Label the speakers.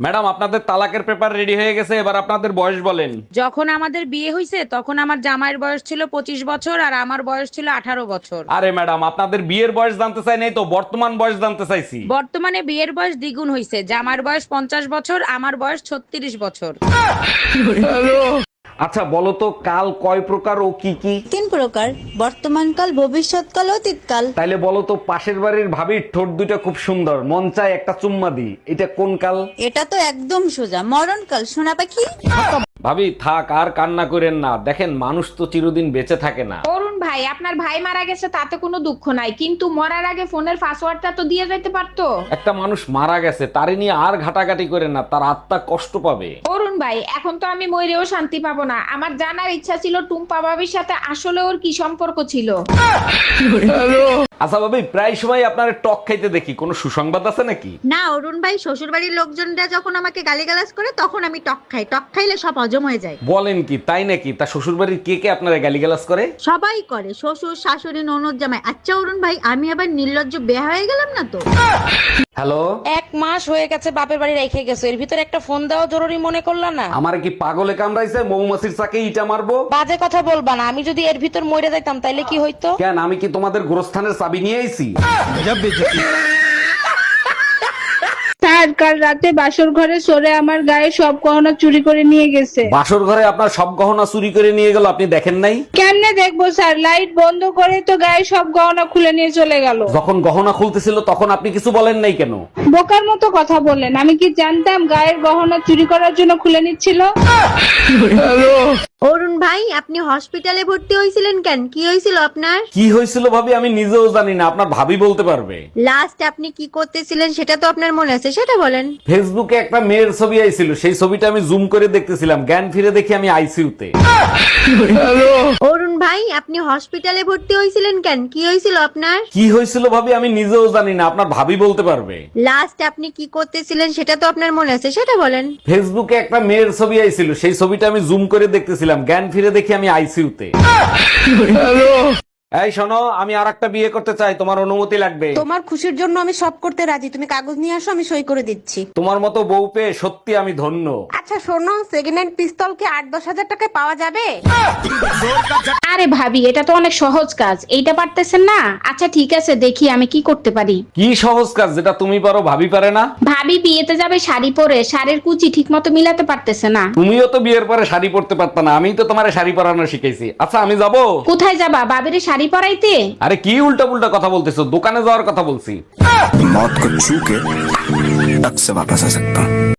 Speaker 1: Madam, আপনাদের তালাকের paper ready হয়ে গেছে, এবার আপনাদের বয়স বলেন।
Speaker 2: যখন আমাদের বিয়ে হয়েছে তখন আমার জামাইয়ের বয়স ছিল 25 বছর আর আমার বয়স ছিল 18 বছর।
Speaker 1: আরে ম্যাডাম, আপনাদের বিয়ের বয়স জানতে চাই নাই তো, বর্তমান বয়স জানতে চাইছি।
Speaker 2: বর্তমানে বিয়ের বয়স দ্বিগুণ হয়েছে, জামাইয়ের বয়স 50 বছর, আমার বয়স 36 বছর।
Speaker 1: আচ্ছা বলো তো, কাল কয় প্রকার ও কি কি?
Speaker 3: 3 প্রকার, বর্তমানকাল, ভবিষ্যৎকাল, অতীতকাল।
Speaker 1: তাইলে বলো তো, পাশের বাড়ির ভাবির ঠোঁট দুটো খুব সুন্দর, মন চায় একটা চুম্মা দি, এটা কোন কাল?
Speaker 3: এটা তো একদম সোজা, মরণকাল, সোনা পাখি।
Speaker 1: ভাবি থাক, আর কান্না করেন না, দেখেন মানুষ তো চিরদিন বেঁচে থাকে না।
Speaker 4: অরুণ ভাই, আপনার ভাই মারা গেছে তাতে কোনো দুঃখ নাই, কিন্তু মরার আগে ফোনের পাসওয়ার্ডটা তো দিয়ে যাইতে পারতো।
Speaker 1: একটা মানুষ মারা গেছে, তারে নিয়ে আর ঘাটাঘাটি করেন না, তার আত্মা কষ্ট পাবে।
Speaker 4: অরুণ ভাই, এখন তো আমি মরেও শান্তি পাবো না। আমার জানার ইচ্ছা ছিল টুম্পা ভাবির সাথে আসলে ওর কি সম্পর্ক ছিল।
Speaker 1: আচ্ছা ভাবি, প্রায় সময় আপনার টক খাইতে দেখি, কোনো সুসংবাদ আছে নাকি?
Speaker 3: না অরুণ ভাই, শ্বশুর বাড়ির লোকজনরা যখন আমাকে গালিগালাজ করে তখন আমি টক খাই। টক খাইলে সব হজম হয়ে যায়।
Speaker 1: বলেন কি, তাই নাকি? তা শ্বশুর বাড়ির কে কে আপনারা গালিগালাজ করে?
Speaker 3: সবাই করে, শ্বশুর, শাশুড়ি, ননদ, জামাই। আচ্ছা অরুণ ভাই, আমি আবার নির্লজ্জ বেয়া হয়ে গেলাম না তো?
Speaker 1: হ্যালো,
Speaker 2: 1 মাস হয়ে গেছে বাপের বাড়ি রেখে গেছো, এর ভিতরে একটা ফোন দেওয়া জরুরি মনে করলা না?
Speaker 1: আমার কি পাগলে কামড়াইছে? মৌমাছির চাকে ইটা মারবো?
Speaker 2: বাজে কথা বলবা না, আমি যদি এর ভিতর মরে যাইতাম তাইলে কি হইতো?
Speaker 1: কেন, আমি কি তোমাদের গোরস্থানের চাবি নিয়ে আইছি?
Speaker 5: স্যার, কাল রাতে বাসর ঘরে সরে আমার গায়ে সব গহনা চুরি করে নিয়ে গেছে।
Speaker 1: বাসর ঘরে আপনার সব গহনা চুরি করে নিয়ে গেল, আপনি দেখেন নাই?
Speaker 5: কেমনে দেখবো স্যার, লাইট বন্ধ করে তো গায়ে সব গহনা খুলে নিয়ে চলে গেল।
Speaker 1: যখন গহনা খুলতেছিল তখন আপনি কিছু বলেন নাই কেন?
Speaker 5: বোকার মতো কথা বললেন, আমি কি জানতাম গায়ের গহনা চুরি করার জন্য খুলে নিচ্ছিল?
Speaker 3: অরুণ ভাই, আপনি হসপিটালে ভর্তি হয়েছিলেন কেন? কি হয়েছিল আপনার?
Speaker 1: কি হয়েছিল ভাবি, আমি নিজেও জানি না, আপনার ভাবি বলতে পারবে।
Speaker 3: লাস্ট আপনি কি করতেছিলেন সেটা তো আপনার মনে আছে, সেটা বলেন।
Speaker 1: ফেসবুকে একটা মেয়ের ছবি আইছিল, সেই ছবিটা আমি জুম করে দেখতেছিলাম, জ্ঞান ফিরে দেখি আমি আইসিইউতে।
Speaker 3: অরুণ ভাই, আপনি হসপিটালে ভর্তি হয়েছিলেন কেন? কি হয়েছিল আপনার?
Speaker 1: কি হয়েছিল ভাবি, আমি নিজেও জানি না, আপনার ভাবি বলতে পারবে।
Speaker 3: লাস্ট আপনি কি করতেছিলেন সেটা তো আপনার মনে আছে, সেটা বলেন।
Speaker 1: ফেসবুকে একটা মেয়ের ছবি আইছিল, সেই ছবিটা আমি জুম করে দেখতেছিলাম, জ্ঞান ফিরে দেখি আমি আইসিইউতে। এই শোনো, আমি আর একটা বিয়ে করতে চাই, তোমার অনুমতি লাগবে।
Speaker 6: তোমার খুশির জন্য আমি সব করতে রাজি, তুমি কাগজ নিয়ে আসো, আমি সই করে দিচ্ছি।
Speaker 1: তোমার মতো বউ পেয়ে সত্যি আমি ধন্য।
Speaker 6: আচ্ছা শোনো, সেকেন্ড হ্যান্ড পিস্তল কি 8-10 হাজার টাকায় পাওয়া যাবে?
Speaker 4: আরে ভাবি, এটা তো অনেক সহজ কাজ, এইটা পারতেছেন না? আচ্ছা ঠিক আছে, দেখি আমি কি করতে পারি।
Speaker 1: কি সহজ কাজ যেটা তুমি পারো ভাবি পারে না?
Speaker 4: ভাবি বিয়েতে যাবে শাড়ি পরে, শাড়ির কুচি ঠিক মতো মিলাতে পারতেছে না।
Speaker 1: তুমিও তো বিয়ের পরে শাড়ি পরতে পারত না, আমি তো তোমার শাড়ি পরানো শিখাইছি। আচ্ছা আমি যাব।
Speaker 4: কোথায় যাবা, বাবিরে শাড়ি পরাইতে?
Speaker 1: আরে কি উল্টা পুল্টা কথা বলতেছো, দোকানে যাওয়ার কথা বলছি।
Speaker 7: मौत को छू के टक से वापस आ सकता हूँ।